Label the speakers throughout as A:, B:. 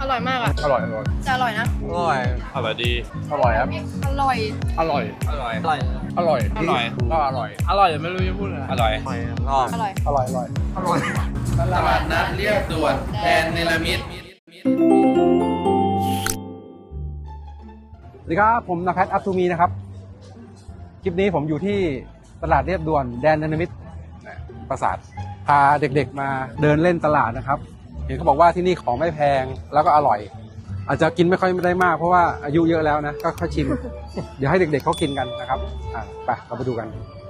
A: ร่อยมากอ่ะ
B: อร่อยอร่อย
A: จะอร่อยนะ
B: อร่อย
C: อร่อยดี
B: อร่อยครับ
A: อร่อย
B: อร่อย
C: อร่อย อร่อย
B: อร่อย
C: อร่อย
B: ก็อร่อย อร่อยไม่รู้จะพูดอะไร
C: อร่อย
B: ก็
A: อร่อย
B: อร่อยอร่อยอร่อย
C: ตลาดนัดเรียบด่วนแดนเนลมิต
B: สวัสดีครับผมนภัสอัพทูมีนะครับคลิปนี้ผมอยู่ที่ตลาดเรียบด่วนแดนนานามิตรปราสาทพาเด็กๆมาเดินเล่นตลาดนะครับเห็นเขาบอกว่าที่นี่ของไม่แพงแล้วก็อร่อย อาจจะกินไม่ค่อยได้มากเพราะว่าอายุเยอะแล้วนะก็ค่อยชิม เดี๋ยวให้เด็กๆเขากินกันนะครับไปเราไปดูกัน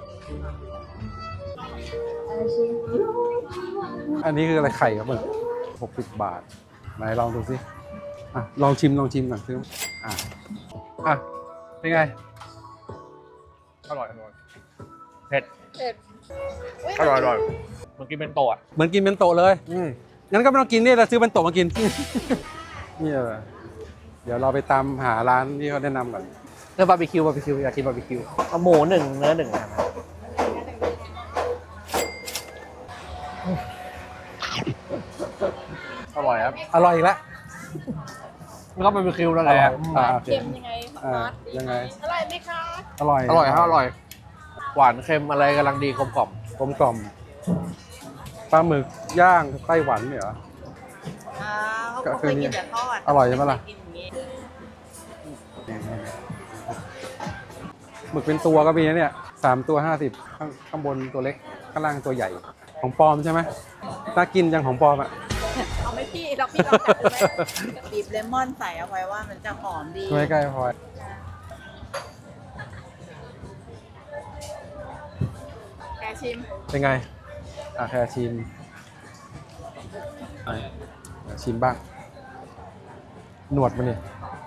B: อันนี้คืออะไรไข่ครับมึง60 บาทไหนลองดูสิลองชิมก่อนซื้อเป็นไงอร่อยอร่อย
C: เผ็ด
A: เผ็ด
C: อร่อยอร่อยเมื่อกี้เป็นโตะ
B: เหมือนกินเป็นโตะเลยงั้นก็ไม่ต้องกินนี่เราซื้อเป็นโตะมากิน นี่เดี๋ยวเราไปตามหาร้านที่เขาแนะนำก่อน
D: เนื้อบาร์บีคิวอยากกินบาร์บีคิวเอาหมู1เนื้อ1นะครับ
B: อร่อยครับอร่อยอีกแล้ว
D: แล้วก็บาร์บีคิวนั่นแหละ
B: โอเค
A: เค็มยังไง
B: ยังไง
A: อร่อยไหมคะ
B: อร่อย
D: อร่อยครับอร่อย หวานเค็มอะไรกำลังดีกลมกล่อม
B: กลมกล่อมปลาหมึกย่างไต้หวันเนี่ยเหรอ
A: เขาเคยกินแต่ทอด
B: อร่อยใช่ไหมล่ะ
A: กินอย่างนี้
B: หมึกเป็นตัวก็มีนะเนี่ย3 ตัว50ข้างบนตัวเล็กข้างล่างตัวใหญ่ของปลอมใช่ไหมน่ากินจังของปลอมอ่ะ
A: เอาไหมพี่เราพี่ลองกัดดูไหมบีบเลมอนใส่เอาไว้ว่ามันจะหอมดี
B: ไม่ใกล้พอ
A: แกชิม
B: เป็นไงแค่ชิมชิมบ้างหนวดมันนี่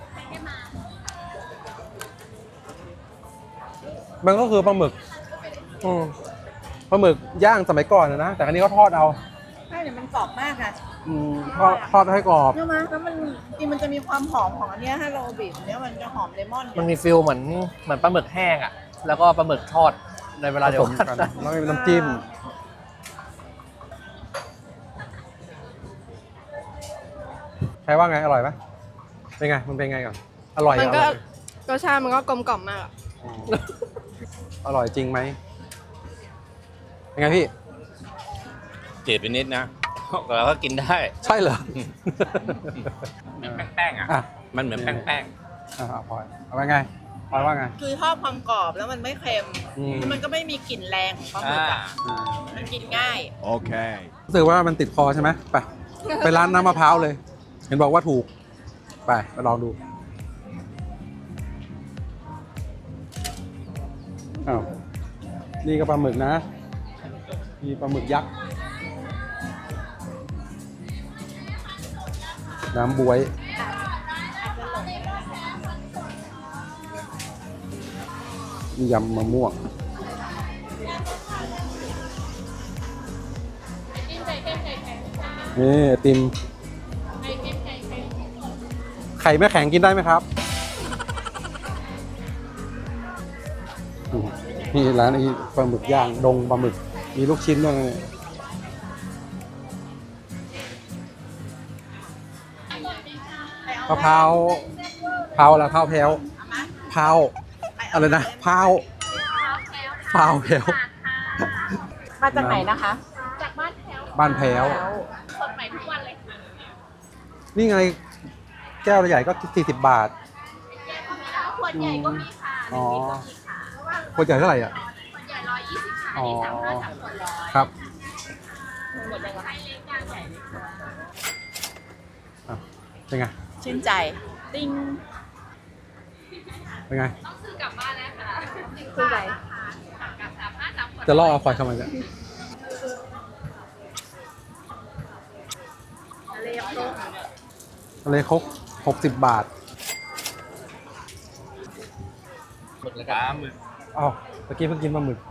B: มันก็คือปลาหมึกปลาหมึกย่างสมัยก่อนนะแต่ครั้นี้เขาทอดเอา
A: ใช่เนี่ยมันกรอบมากค่ะ
B: ทอดให้กรอบ
A: ใช่ไหมแล้วมันจริงมันจะมีความหอมของอันเนี้ยถ้าเราบีบเนี้ยมันจะหอมเลมอน
D: มันมีฟิลเหมือนปลาหมึกแห้งอ่ะ แล้วก็ปลาหมึกทอดในเวลาเดียว
B: ผสม
D: กัน
B: กันแล้วมีน้ำจิ้มใครว่าไงอร่อยไหมเป็นไงมันเป็นไงก่อนอร่อย
A: มันก็
B: อร่อย
A: รสชาติมันก็กลมกล่อมมากอะ
B: อร่อยจริงไหมเป็นไงพี่
C: จืดไปนิดนะเราก็กินได้
B: ใช่เหรอ
C: เหมือนแป้งๆอ่ะ
B: อ่ะ
C: มันเหมือนแป้ง
B: พลอยเอาไว้ไงพลอยว่าไง
A: คือชอบความกรอบแล้วมันไม่เค็ม มันก็ไม่มีกลิ่นแรงของปลาหมึกอะมันกินง่าย
B: รู้สึกว่ามันติดคอใช่ไหมไปร้านน้ำมะพร้าวเลย เห็นบอกว่าถูกไปลองดูอ้าวนี่ก็ปลาหมึกนะมีปลาหมึกยักษ์น้ำบวยมียำมะม่วงนี่ไอติมไข่ไม่แข็งกินได้ไหมครับนี่ร้านไอ้ปลาหมึกย่างดงปลาหมึกมีลูกชิ้นด้วยนะมะพร้าวอะไรพร้าวแพ้วพร้าวอะไรนะพร้าวแพ้ว
A: มาจากไหนนะคะ
B: บ้านแพ้วสดใหม่ทุกวันเลยนี่ไงแก้วใหญ่ก็40 บาทขวดใหญ่ก็มีค่ะอ๋อขวดใหญ่เท่าไหร่อ่ะขวดใหญ่120ค่ะนี่35 3ขวด100ครับขวดใหญ่ก็ให้เล็กกลางใหญ่เป็นไง
A: ชื่นใจ ติ้ง
B: เป็นไง
A: ต้องซื้อกลับบ้านแล้วค่ะชื่นใจ
B: จะล่อเอาควายเข้ามาเนี่ยทะเลครก60 บาท
D: หมึกแล้ว
C: ๆ
D: กั
C: ปลาน หมึก
B: อ้าวเมื่อกี้เพิ่งกินปลาหมึก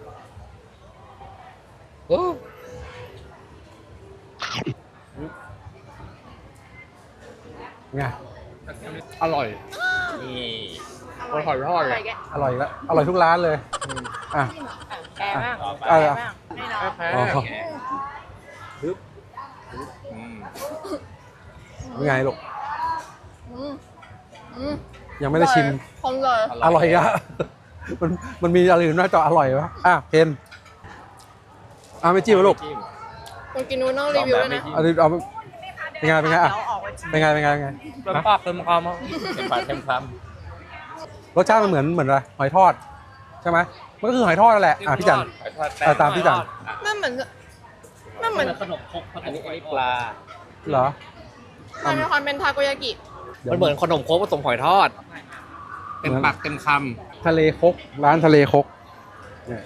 B: ไง
D: อร่อย
C: นี่
D: อร่อยทอดเลย
B: อร่อยแล้วอร่อยทุกร้านเลยอ่ะ
A: แกบ้าง
B: อ่ะ
A: แกบ้างให้น้อง
B: อ๋อ
C: ปึ๊บอืม
B: เป็นไงลูก
A: อืมอืม
B: ยังไม่ได้ชิม
A: คงเลย
B: อร่อยอะ มันมีอะไรอื่นนอกจากอร่อยวะเพนไม่จิ้มลูก
A: คนกินนู้นต้องรีวิวด้วยนะ
B: เอาเป็นไงเป็นไง
A: เดี๋ยวออกไปชิม
B: เป็นไงเป็นไง
D: เต็มปากเต็มคำอ่ะ
C: เต็มปากเต็มค
B: รสชาติมันเหมือนอะไรหอยทอดใช่ไหมมันก็คือหอยทอดนั่นแหละพี่จัน
C: ำหอยทอดแป้ง
B: ตามพี่จัน
A: มันเหมือน
D: ขนมครก
C: อันนี้ปลา
B: เหรอ
A: มันมีความเป็นทาโกยากิ
D: มันเหมือนขนมครกผสมหอยทอด
C: เต็มปากเต็มค
B: ทะเลคกร้านทะเลคกเนี่ย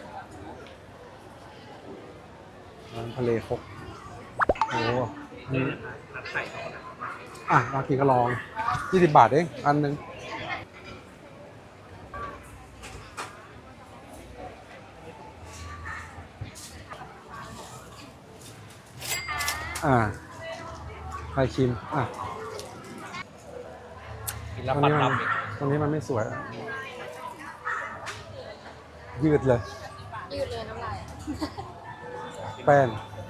B: ร้านทะเลคกโอ้นี่มากินก็ลอง20 บาทเองอันหนึงใครชิม
D: กินแล้ว
B: ตรง
D: ปัด
B: นี้
D: ล
B: ตรงนี้มันไม่สวยยืดเลย
A: ยืดเลยน้ำลาย
B: แป้ง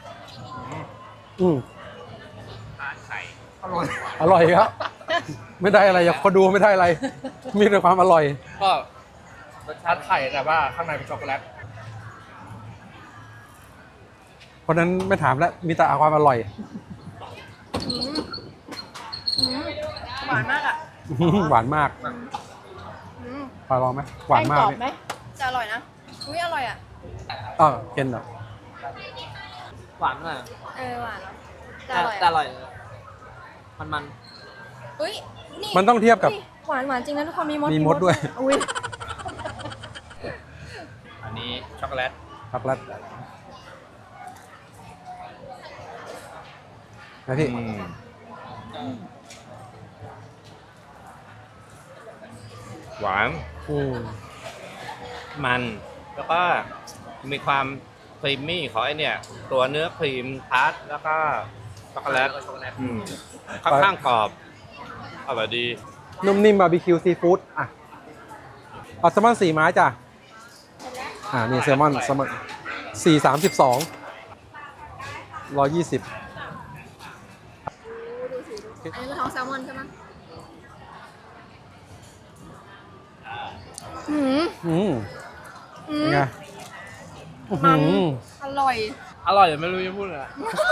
C: ไข่
B: อร่อยครับ ไม่ได้อะไรอยากคนดูไม่ได้อะไร มีแต่ความอร่อย
D: ก็รสชาติไข่แต่ว่าข้างในเป็นช็อกโกแลต
B: เพราะนั้นไม่ถามแล้วมีแต่ความอร่อย
A: หวานมากอ่ะ
B: หวานมากปลาลองไหมหวานมาก
A: แป้งกรอบ
B: เนี่ย
A: ไหมจะอร่อยนะอุ้ยอร่อยอ่ะ
B: เค็นเหรอ
D: หวานมาก
A: หวานจะอร่อย
D: แต่อร่อยมัน
A: อุ้ยนี่
B: มันต้องเทียบกับ
A: หวานหวานจริงนะทุกคนมีมด
B: มีมดด้วย
A: อุ้ย
C: อันนี้ช็อกโกแลต
B: ผักรัดนะพี่
C: หวาน มัน แล้วก็มีความครีมมี่ของไอเนี่ยตัวเนื้อครีมทาร์ตแล้วก็ช็อกโกแลตค่อนข้างกรอบอร่อยดี
B: นุ่มนิ่มบาร์บีคิวซีฟู้ดเอาแซลมอน4 ไม้จ้ะนี่แซลมอน4.32 120
A: อันนี้คือท้องแซลมอนใช่ไหม
B: เป็นไง
A: มันอร่อย
D: อร่อยไม่รู้จะพูดอะไร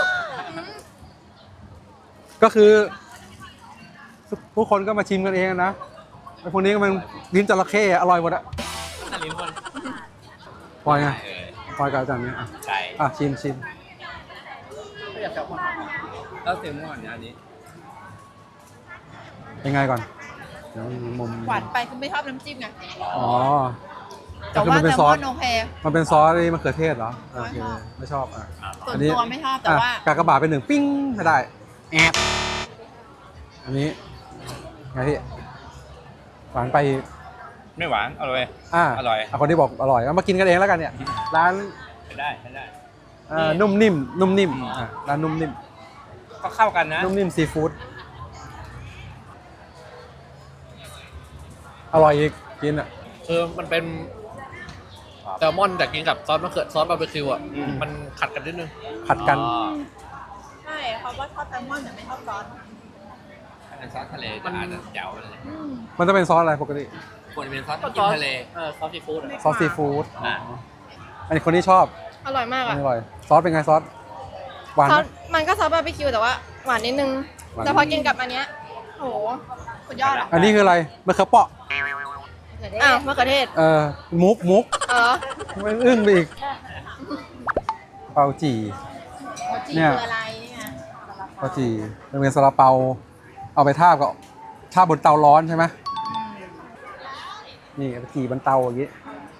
B: ก็คือทุกคนก็มาชิมกันเองนะไอ้พวกนี้ก็มันลิ้นจระเข้อร่อยหมดอะ
D: แต่ลิ้นคน
B: ปล่อยไงปล่อยกับอาจารย์เนี่ย
C: ไก่
B: ชิม
D: ไม่อยากแซลมอนแล้วเซลมอนเนี่ยอันนี้
B: ยังไงก่อนเดี๋ยวมุม
A: หวานไปคือไม่ชอบน้ำจิ้มไง
B: ก็
A: แต่
B: คือ
A: ว่า
B: มันเป็น
A: แซล
B: ซอ
A: มอ
B: ส
A: นโอเค
B: มันเป็นซอสมะเขือเทศเหรอโอเคไม่ชอบ
A: ส่วน
B: อันนี้
A: ตัวไม่ชอบแต่ว่า
B: กากบาทเป็น1ปิ้งถ้าได้แอบอันนี้ไงพี่หวานไป
C: ไม่หวานอร่อย อร่อย
B: คนที่บอกอร่อยเอามากินกันเองแล้วกันเนี่ยร้าน
C: ไม่ได้
B: นุ่มนิ่มร้านนุ่มนิ่ม
C: ก็เข้ากันนะ
B: นุ่มนิ่มซีฟู้ดอร่อยอีกกิน
D: คือมันเป็นแซลมอนแต่กินกับซอสมะเขือซอสบาร์บีคิวอ่ะมันขัดกันนิดนึง
B: ผัดกัน
A: ใช่เขาว่าชอบแซลมอนแต่ไม่ชอบซอส
C: ถ้าเป็นซอสทะเลจะอาจจะแจ๋วเลย
B: มันจะเป็นซอสอะไรปกติ
C: ควรเป็นซอส
D: ก็
C: กินทะเล
D: ซอสซีฟู้ด
B: ซอสซีฟู้ดอันนี้คนที่ชอบ
A: อร่อยมาก
B: อัน
A: อ่ะ
B: นี้อร่อยซอสเป็นไงซอสหวาน
A: ซอ
B: ไหม
A: สมันก็ซอสบาร์บีคิวแต่ว่าหวานนิดนึง
B: หวาน
A: แต่พอกินกับอันเนี้ยโหสุดยอดอ่ะ
B: อันนี้คืออะไรมะเขือเปาะ
A: อ้าวมะเขือเทศ
B: มุก
A: ไม่
B: อึ้งไปอีกเปาจี่ เนี่ย
A: คืออะไรนี่ไง
B: เปาจี่เป็นซาลาเปาเอาไปทาบกับทาบบนเตาร้อนใช่ไหมนี่เอาไปจี่บนเตาอย่างนี้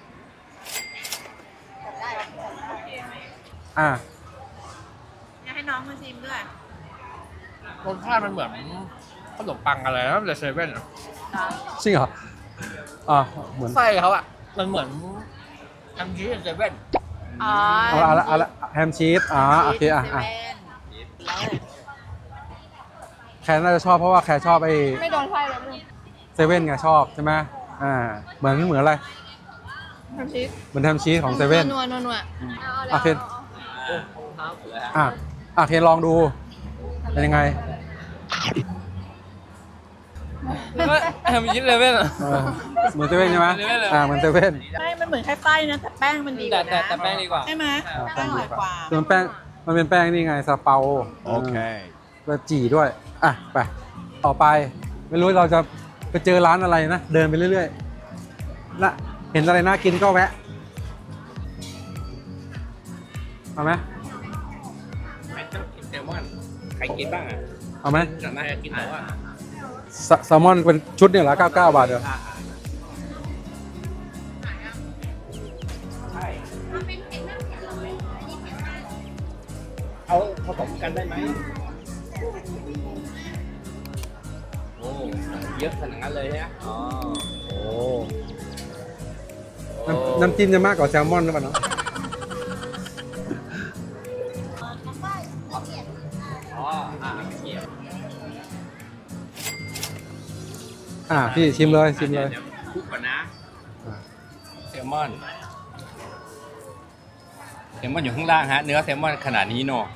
A: อยากให้น้องมาชิมด้วย
D: รสชาติมันเหมือนขนมปังอะไรนะแต่เซเว่น
B: จริงเหรอเหมือน
D: ไส้เขาอ่ะมันเหมือนทำชีสเซเว่น
A: อ๋อ
B: เอาละแฮมชีสโอเคแคร์น่าจะชอบเพราะว่าแคร์ชอบไอ้
A: ไม่โดนไฟเลย
B: เซเว่นไงชอบใช่ไหมเหมือนอะไร
A: ทำชีส
B: เหมือนแฮมชีสของเซเว่น
A: นัว
B: โอเค เคนลองดูเป็นยังไง
D: มันยิ้มเลยเว้ย
B: เหมือนเซเว่นใช่ไหม
D: เหมือนเซเว่นเลย
B: เหมือนเซเว่น
A: ใช่มันเหมือนไข่ไส้นะแต่แป้งมันดีกว่านะ
D: แต่แป้งดีกว่า
A: ใช่ไหม
B: แป้
A: แป้
B: ง
A: งอ
B: ดี
A: ร่อย
B: ก
A: ก
B: ว่า
A: ว่า
B: คือมันแป้งมันเป็นแป้งนี่ไงซาเปาแล้วจี่ด้วยอ่ะไปต่อไปไม่รู้เราจะไปเจอร้านอะไรนะเดินไปเรื่อยๆน่ะเห็นอะไรน่ากินก็แวะเอาไหม
C: ไม่ต้องกินแซลมอนใครกินบ้างอ่ะ
B: เอาไหม
C: จะมากินแต่ว่า
B: แซลมอนเป็นชุดเนี่ยเหรอ99 บาทเดียว
C: ใช่เอาผสมกันได้ไหมโอ้เยอะขนาดนั้นเลยนะอ๋อ
B: โอ้น้ำจิ้มจะมากกว่าแซลมอนหรือเปล่าเนาะ
C: อ๋อเกี่ยว
B: พี่ชิมเลยชิมเลย
C: ดี๋วพูดก่อนนะ
B: อ่า
C: แซลมอนอยู่ข้างล่างฮะ เนื้อแซลมอนขนาดนี้เนาะ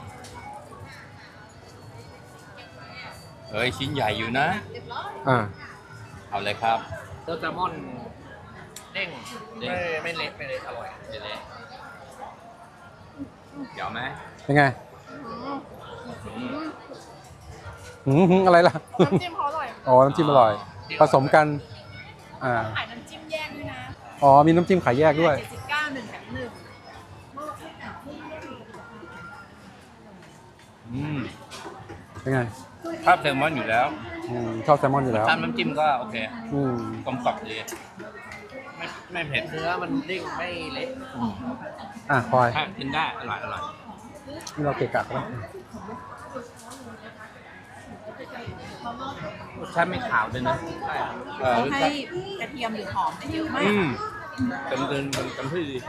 C: เฮ้ยชิ้นใหญ่อยู่นะ
B: อ่า
C: เอาเลยครับ
D: ตัวแซลมอนเด้ง
C: เด้ง
D: ไม่เละไม่เละอร่อย
C: เดี๋ยวไหม
B: เป็นไงอะไรล่ะ
A: น้ำจิ้มเขาอร่อย
B: อ๋อ น้ำจิ้มอร่อย ผสมกัน
A: ขายน้ำจิ้มแยกด้วยนะ
B: อ๋อ มีน้ำจิ้มขายแยกด้วย
A: 79 1 แถม 1
B: เป็นไง
C: ชอบแซลมอนอยู่แล้ว
B: ชอบแซลมอนอยู่แล้ว
C: ทำน้ำจิ้มก็โอเค
B: อืม
C: กลมกล่อมดีไม่เผ็ด
D: เนื้อมันเด้งไม่เละ
B: พลอย
C: ถ้ากินได้อร่อย
B: นี่เราเกะกะกันแล้ว
C: รสชาติไม่ขาวด้วยนะรส
A: ให้
C: ชาติ
A: กระเทียมหรือหอมได้เยอะมาก
C: เต็มที่ดี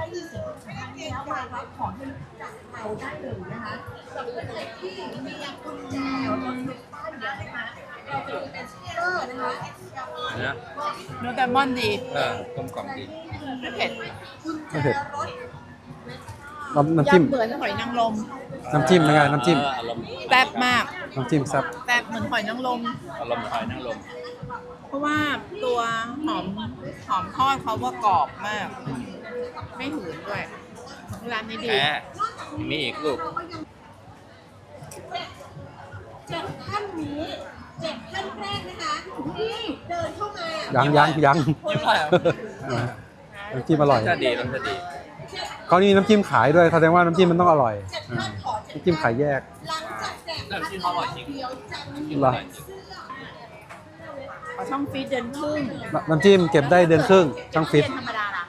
C: เนื้อ
A: เนื้อแซลมอนดี
C: กลมกล่อมดี
A: ไม่เผ็ด
B: ไม่เผ็ดน้ำจิ้ม
A: ยำเหมือนหอยนางรม
B: น้ำจิ้มเป็นไง น้ำจิ้ม
C: อารมณ์
A: แซ่บมาก
B: น้ำจิ้มแซ่บ
A: แซ่บเหมือนหอยนางรม
C: อารมณ์หอยนางรม
A: เพราะว่าตัวหอมทอดเขาว่ากรอบมาก ไม่หืนด้วยร้านนี้ดี
C: แพ้มีอีกลูก
E: 7 ท่านนี้7 ท่านแรกนะคะที่เดินเข้ามา
B: ยัง
D: ยิ้มได้เหรอ
B: น้ำจิ้มอร่อย
C: รสชาติดีรสชาติดี
B: เขานี่น้ำจิ้มขายด้วยแสดงว่าน้ำจิ้มมันต้องอร่อย
E: 7 ท่านขอเชิญ
B: น้ำจิ้มขายแยก
E: หลังจากแจก
D: น้ำจิ้มเขาอร่อยจริง
E: เดียวจะมี
B: เหรอ
A: ขอช่องฟีดเดือนครึ่ง
B: น้ำจิ้มเก็บได้เดือนครึ่งช่างฟิต
A: เดือนธรรมดาล่ะ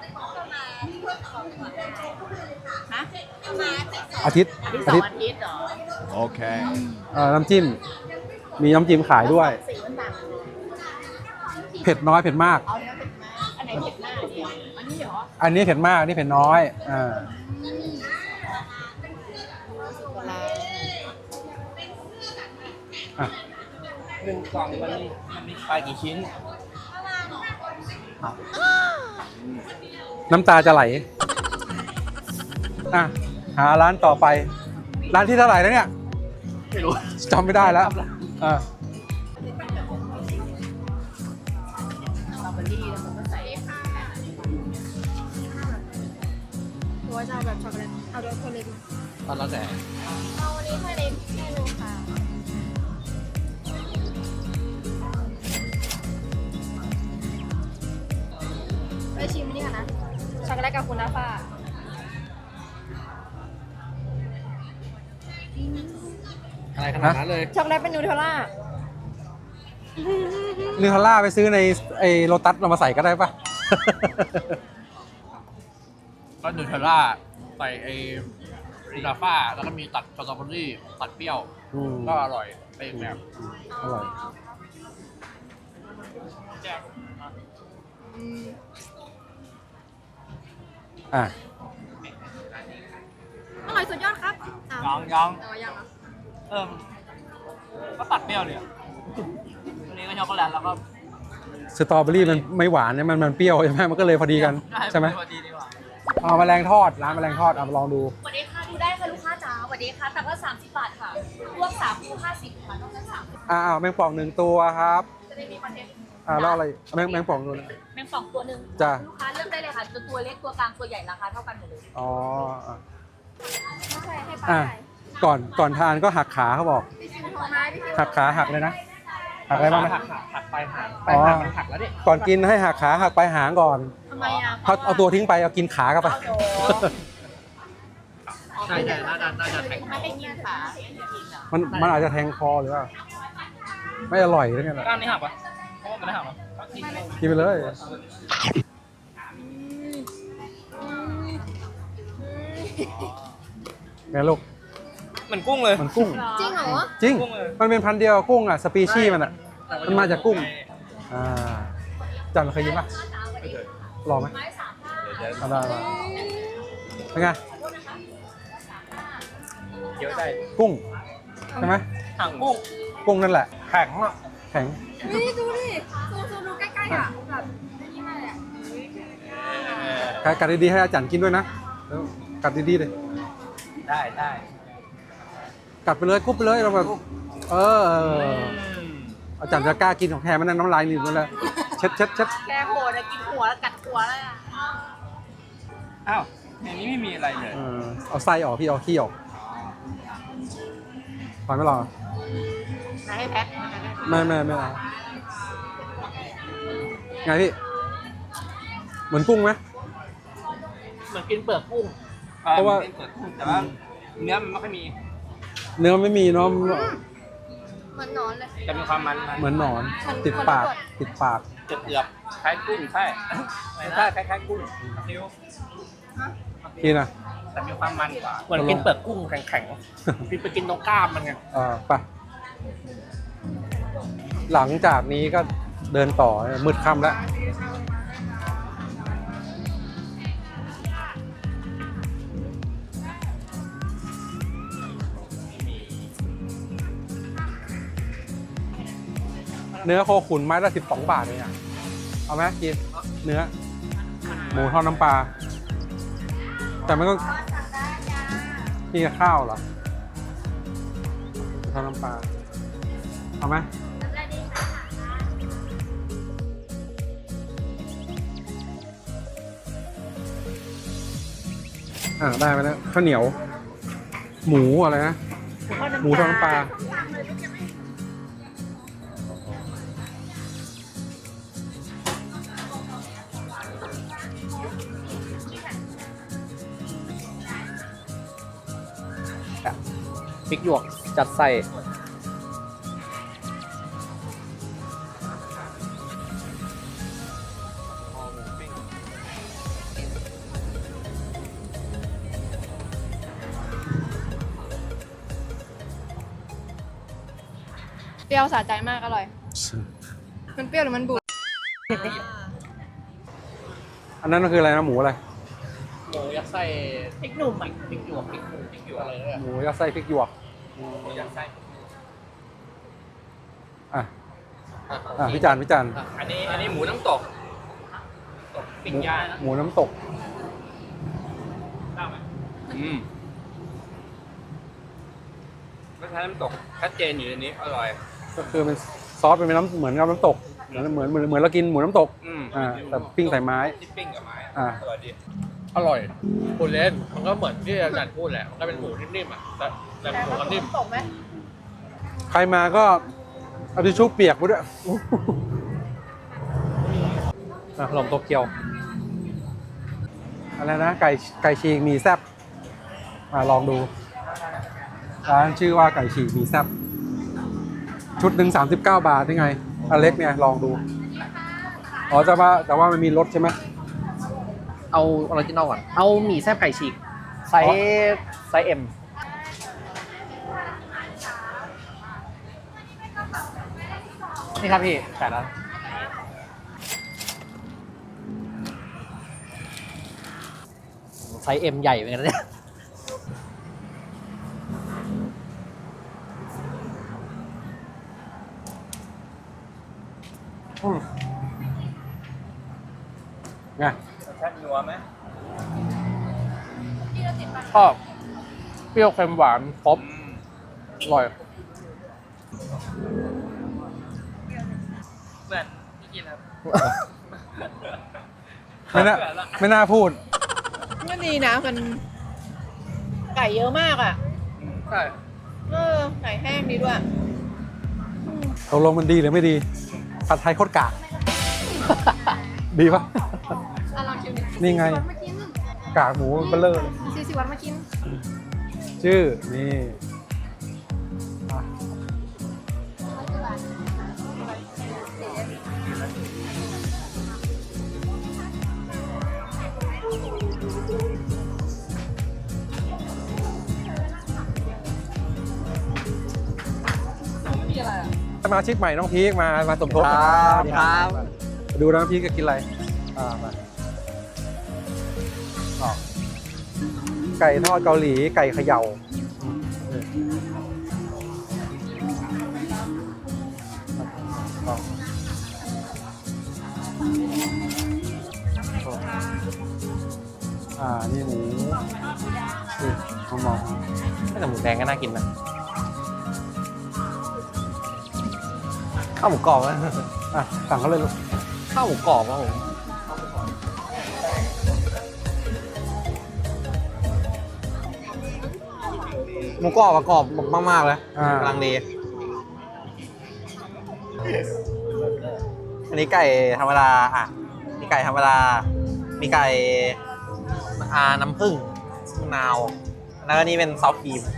A: ฮะ
B: อาทิตย์
A: อาทิตย์
B: อา
A: 2
B: ทิตย์
A: อาทิตย์เหรอ
B: น้ำจิ้ม มีน้ำจิ้มขายด้วย
A: สีมันต่างกัน
B: เผ็ดน้อยเผ็ดมาก
A: เอาเนื้อเผ็ดมากอันไหนเผ็ดมากเนี่ยอันนี้เหรอ
B: อันนี้เผ็ดมากอันนี้เผ็ดน้อยอ่ะ
C: หนึ่งกล่องมันมีปลากี่ชิ้น
B: น้ำตาจะไหลอ่ะหาร้านต่อไป ร้านที่เท่าไหร่แล้วเนี่ย
D: ไม่รู้
B: จำไม่ได้แล้วอ่ะ
A: สตรอเบอรี่แล้วมันก็ใส่
E: ตัวจะเอาแบบช็อกโกแลตเอาด้วยคนเล็ก
D: ตอนแล้วแต่
E: เอาวันนี้ถ้าเล็กให้ดูค่ะไปชิมนี่ค่ะนะช็อกโกแลตกับคุณน้าฟ้า
D: อะไรขนาดนั้นเลย
E: ช็อกโกแลตเป็นนูเทลล่า
B: นิวทาร่าไปซื้อในไอ้โลตัสเรามาใส่ก็ได้ปะ
D: ก็นูเทลล่าใส่ไอ้ลาฟ้าแล้วก็มีตัดสตรอเบอรี่ตัดเปรี้ยว ก็อร่อยไปอีกแบบ
B: อร่อยอ่ะ
E: อร่อยสุดยอดครับอ้าว
D: ยัง
E: เอายังเหรอ
D: ก็ตัดเปรี้ยวเนี่ยอันนี้ก็ช็อกโกแลตแล้วก็
B: สตรอเบอรี่มันไม่หวานเนี่ยมันเปรี้ยวใช่ไหมมันก็เลยพอดีกันใช่ไหม
D: พอดีดีกว่า
B: เอาแมลงทอดร้านแมลงทอดเอามาลองดู
E: สวัสดีค่ะดูได้ค่ะลูกค้าจ๋าสวัสดีค่ะแต่ว่า30 บาทค่ะรวม3 คู่ 50ค่ะนอกนั้น30
B: แมงป่อง1 ตัวครับ
E: จะได้มีคอนเทนต์
B: แล้วอะไรแมงป่องตัวนึง
F: แมงป่องตัวหนึ่ง
B: จ้ะ
F: ลูกค้าเลือกได้เลยค่ะตัวเล็กตัวกลางตัวใหญ่ราคาเท่ากันหมดเลย
B: อ๋ออ่ะ
F: ใช่ให้
B: อ่ะ
F: ป้า
B: ก่อนทานก็หักขาเขาบอก
F: พี่ชิวโทรมาพี่ชิว
B: หักขาหักเลยนะหักอะไรบ้างนะ
D: หักไปหัก
B: อ๋อ
D: มันหักแล้วเนี่ย
B: ก่อนกินให้หักขาหักไปหางก่อน
F: ทำไมอ่ะ
B: เอาตัวทิ้งไปเอากินขากันไป
D: ใช่น่าจะแข็ง
F: ไม่ให้กินขาให้กินอ่ะ
B: มันอาจจะแทงคอหรือว่าไม่อร่อยหรือไงล่ะ
D: กล้ามนี่หักปะเพราะว่ามันไม่หักหรอ
B: กินไปเลยไงลูก
C: เหมือนกุ้งเลย
B: มันกุ้ง
F: จริงเหรอ
B: จริง
C: กุ้งเลย
B: มันเป็นพันธุ์เดียวกับกุ้งอ่ะสปีชีส์มันอ่ะมันมาจากกุ้งอ่าจันเคยกินปะลองไหมเอาได้เป็นไง
C: เยอะได้
B: กุ้งใช่ไหม
C: หางกุ้ง
B: กุ้งนั่นแหละ
C: แข็งอ่ะ
B: แข็ง
F: นี่ดูดิซูมดูใกล้ๆอ่ะแบบนี่มาเลยอ่ะ
B: กัดดีๆให้อาจารย์กินด้วยนะแล้วกัดดีๆเลย
C: ได้
B: กัดไปเลยกุ๊บไปเลยเราแบบอาจารย์จะกล้ากินของแท้มันนั่นน้ำลายหนีบมันเลยเช็ด
F: แกโหดอะกินหัวแล้วกัดหัวเลยอ่ะ
C: อ้าวในนี้ไม่มีอะไรเลย
B: เอาไส้ออกพี่เอาขี้ออกพอไม่รอ
F: ให้แพ็ค
B: ไม่เอาไงพี่เหมือนกุ้งไหม
D: เหมือนกินเปลือกกุ้ง
B: เพราะว่า
C: เป็นเปลือกกุ้งแต่ว่าเนื้อมันไม่ค่อยมี
B: เนื้อไม่มีเนาะ
F: เหมือนนอนเลย
C: จะมีความมัน
B: เหมือนหนอนติดปาก
C: เกือบๆคล้ายกุ้งใช่ใช่คล้ายๆกุ้งนิ้ว
B: กินอ่ะ
C: แต่มีความมันกว่า
D: เหมือนกินเปลือกกุ้งแข็งๆไปกินตรงกล้ามมันไง
B: ไปหลังจากนี้ก็เดินต่อมืดค่ำแล้วเนื้อโคขุนไม้ละ12 บาทเลยอ่ะเอาไหมกินเนื้อหมูทอดน้ำปลาแต่มันก็นี่กับข้าวเหรอทอดน้ำปลาเอาไหมได้ไปแล้วข้าวเหนียว หมูอะไรนะหมูทอดน้ำปลา
D: พริกหยวกจัดใส่
G: เปรี้ยวสะใจมากอร่อย มันเปรี้ยวหรือมันบูด
B: อันนั้นก็คืออะไรนะหมูอะไร
D: หมูยัดไส้พริกหนุ่มพริกหยวกพริกหยวกอะไรเนี่ย
B: หมูยัดไส้พริกหยวก
C: ยัดไส้
B: อ่ะพี่จัน
C: อันนี้หมูน้ำตกปิ้งย่าง
B: หมูน้ำตก
C: ได้ไหมรสชาติน้ำตกชัดเจนอยู่ในนี้อร่อย
B: ก็คือเป็นซอสเป็นน้ำเหมือนกับน้ำตกเหมือนเรากินหมูน้ำตกแต่ปิ้งใส่ไม้
C: ที่ปิ้งกับไม้
B: อ่า
C: อร่อยดี
D: อร่อยพูดเล่นมันก็เหมือนที่อาจารย์พูดแหละมันก็เป็นหมูนิ่มๆอ่ะแต่หมูก็นิ่ม
F: ตกไหม
B: ใครมาก็เอาทิชชู่เปียกไปด้วยขนมโตเกียวอะไรนะไก่ฉีกหมีแซ่บลองดูร้านชื่อว่าไก่ฉีกหมีแซ่บชุดหนึ่ง39 บาทนี่ไงอันเล็กเนี่ยลองดูอ๋อแต่ว่ามันมีรสใช่ไหม
D: เอาออริจินอลก่อนเอาหมี่แซ่บไก่ฉีกไซส์เอ็มนี่ครับพี่แต่ละไซส์เอ็มใหญ่เหมือนกันนะเนี่ย
B: ไง
C: รสชาตินัวไหม
D: ชอบเปรี้ยวเค็มหวานครบอร่อย
C: เหมือน
D: กินครับ
B: ไม่น่าพูด
A: มันดีนะมันไก่เยอะมากอ่ะ
D: ใช่
A: ไก่แห้งดีด้วย
B: ตกลงมันดีหรือไม่ดี ผัดไทยโคตรกาก ดีปะ
G: อ่ะลองชิมดิ
B: นี่ไง
G: 40 วันมากิน
B: กากหมูเบลเลอร์
G: 40 วันมากิน
B: ชื่อ นี่อ่ะสมาชิกใหม่น้องพีคมาสมทบ
D: ครับ
B: ดูน้องพีคจะกินอะไรมาอ๋อไก่ทอดเกาหลี ไก่เขย่านี่หมูมอง
D: แต่หมูแดงก็น่ากินนะข้าวหมูกรอบนะ
B: สั่งเขาเลยลูก
D: ข้าวหมูกรอบครับผมหมูกรอบอะกรอบมากๆเลย กำลังดี อันนี้ไก่ธรรมดามีไก่ธรรมดา มีไก่น้ำผึ้งมะนาว แล้วก็นี่เป็นซอสครีม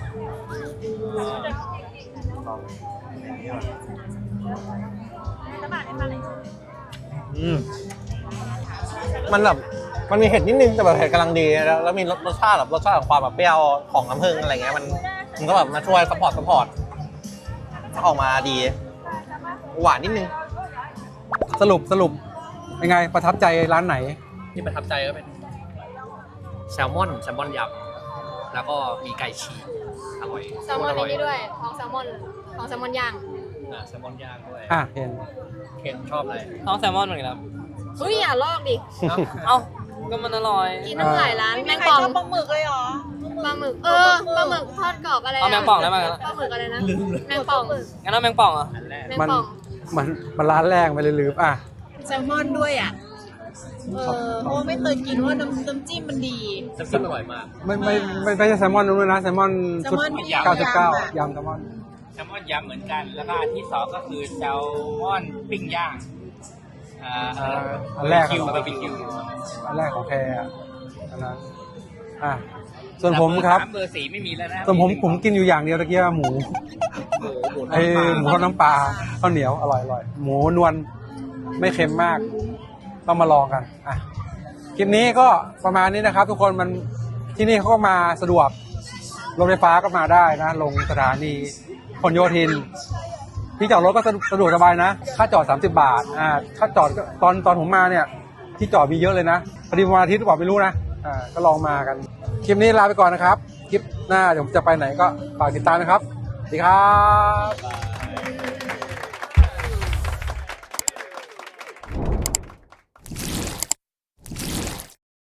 D: มันแบบมันมีเห็ดนิดนึงแต่แบบเห็ดกำลังดีแล้วมีรสชาติแบบรสชาติของความแบบเปรี้ยวของน้ำผึ้งอะไรเงี้ยมันก็แบบมาช่วยซัพพอร์ตออกมาดีหวานนิดนึง
B: สรุปเป็นไงประทับใจร้านไหน
D: ที่ประทับใจก็เป็นแซลมอนยำแล้วก็มีไก่ฉีกอร่อย
G: แซลมอนในนี้ด้วยท้องแซลมอนย่าง
D: แซลมอนย่างด้วย
B: เห็น
D: เคนชอบอะไร
H: ท้องแซลมอนเหมือนกันครับ
G: เฮ้ยอย่าลอกดิ
H: เอ้า ก็มันอร่อย
G: กินตั้งหลายร้าน
A: ไม่
G: แม
A: มี
G: ง
A: ใคร
G: ป่อง
A: ชอบปลาหมึกเลยเหรอ
G: ปลาหมึกปลาหมึกทอดกรอบอะไร
H: เอาแมงป่องได้ไหมครับ
G: ปลาหมึกอะไรนะแมงป่อง
H: งั้นเอาแมงป่องเหรอ่ะ
G: แมงป่อง
B: มันร้านแรกไปเลยลืม
A: แซลมอนด้วยอ่ะ เพราะว่าไม่เคยกินว่าน้ำจิ้มมันดี
D: น้ำจิ้มอร่อยมาก
B: ไม่ใช่แซลมอนนู้นนะแซลมอนชุด
A: แซลมอนที่
B: 99 ยำแซลมอน
H: แซลมอนยำเหมือนกัน แล้วก็อันที่สองก็คือแซลมอนปิ้งย่าง
B: อันแรก
H: คิวบาร์บีคิว
B: อันแรกของแพรอันนั้นส่วนผมครับ
H: เบอร์4ไม่มีแล้วนะ
B: ส่วนผมกินอยู่อย่างเดียวตะกี้หมูหมูทอดน้ำปลาข้าวเหนียวอร่อยหมูนวลไม่เค็มมาก ต้องมาลองกันคลิปนี้ก็ประมาณนี้นะครับ ทุกคนมันที่นี่เขาก็มาสะดวกรถไฟฟ้าก็มาได้นะลงสถานีพหลโยธินที่จอดรถก็สะดวกสบายนะค่าจอด30 บาทค่าจอดตอนผมมาเนี่ยที่จอดมีเยอะเลยนะพอดีวันอาทิตย์หรือเปล่าไม่รู้นะก็ลองมากันคลิปนี้ลาไปก่อนนะครับคลิปหน้าเดี๋ยวผมจะไปไหนก็ฝากติดตามนะครับสวัสดีครับ